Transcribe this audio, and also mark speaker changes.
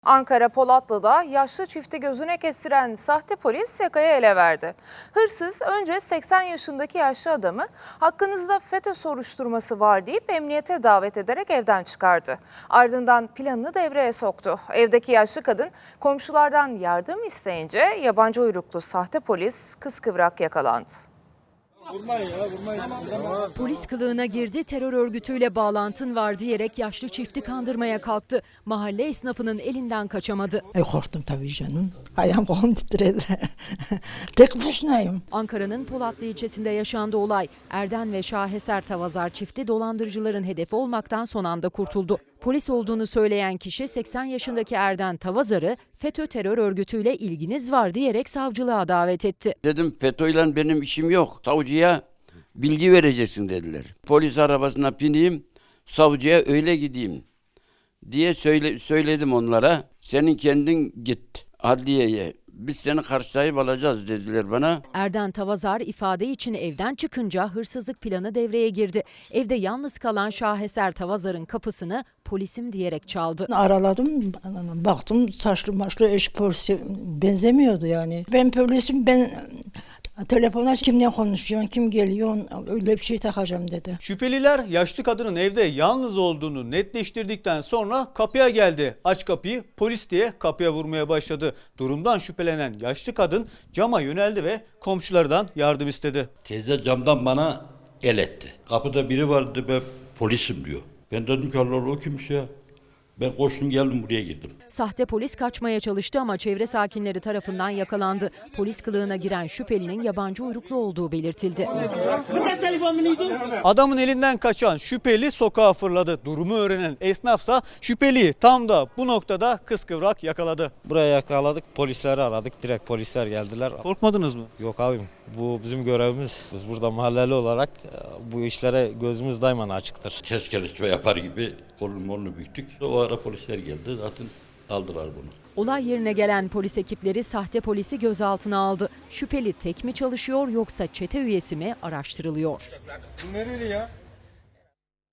Speaker 1: Ankara Polatlı'da yaşlı çifti gözüne kestiren sahte polis yakayı ele verdi. Hırsız önce 80 yaşındaki yaşlı adamı hakkınızda FETÖ soruşturması var deyip emniyete davet ederek evden çıkardı. Ardından planını devreye soktu. Evdeki yaşlı kadın komşulardan yardım isteyince yabancı uyruklu sahte polis kıskıvrak yakalandı.
Speaker 2: Polis kılığına girdi, terör örgütüyle bağlantın var diyerek yaşlı çifti kandırmaya kalktı. Mahalle esnafının elinden kaçamadı.
Speaker 3: Korktum tabii canım. Ayağım kolum titredi. Tek başınayım.
Speaker 2: Ankara'nın Polatlı ilçesinde yaşandı olay. Erden ve Şaheser Tavazar çifti dolandırıcıların hedefi olmaktan son anda kurtuldu. Polis olduğunu söyleyen kişi 80 yaşındaki Erden Tavazar'ı FETÖ terör örgütüyle ilginiz var diyerek savcılığa davet etti.
Speaker 4: Dedim FETÖ'yle benim işim yok. Savcıya bilgi vereceksin dediler. Polis arabasına bineyim, savcıya öyle gideyim diye söyledim onlara. Senin kendin git adliyeye. Biz seni karşılayıp alacağız dediler bana.
Speaker 2: Erden Tavazar ifade için evden çıkınca hırsızlık planı devreye girdi. Evde yalnız kalan Şaheser Tavazar'ın kapısını polisim diyerek çaldı.
Speaker 3: Araladım, baktım saçlı maçlı eş polisi benzemiyordu yani. Ben polisim, ben telefona kimle konuşuyorsun, kim geliyor, öyle bir şey takacağım dedi.
Speaker 5: Şüpheliler yaşlı kadının evde yalnız olduğunu netleştirdikten sonra kapıya geldi. Aç kapıyı, polis diye kapıya vurmaya başladı. Durumdan şüphelenen yaşlı kadın cama yöneldi ve komşulardan yardım istedi.
Speaker 6: Teyze camdan bana el etti. Kapıda biri vardı, ben polisim diyor. Ben dedim ki Allah Allah, o kimmiş ya? Ben koştum geldim buraya girdim.
Speaker 2: Sahte polis kaçmaya çalıştı ama çevre sakinleri tarafından yakalandı. Polis kılığına giren şüphelinin yabancı uyruklu olduğu belirtildi.
Speaker 5: Adamın elinden kaçan şüpheli sokağa fırladı. Durumu öğrenen esnafsa şüpheliyi tam da bu noktada kıskıvrak yakaladı.
Speaker 7: Buraya yakaladık, polisleri aradık. Direkt polisler geldiler.
Speaker 5: Korkmadınız mı?
Speaker 7: Yok abim, bu bizim görevimiz. Biz burada mahalleli olarak bu işlere gözümüz daima açıktır.
Speaker 6: Keskelişme yapar gibi kolunu büktük. O ara polisler geldi, zaten aldılar bunu.
Speaker 2: Olay yerine gelen polis ekipleri sahte polisi gözaltına aldı. Şüpheli tek mi çalışıyor yoksa çete üyesi mi araştırılıyor.
Speaker 8: Nereli ya?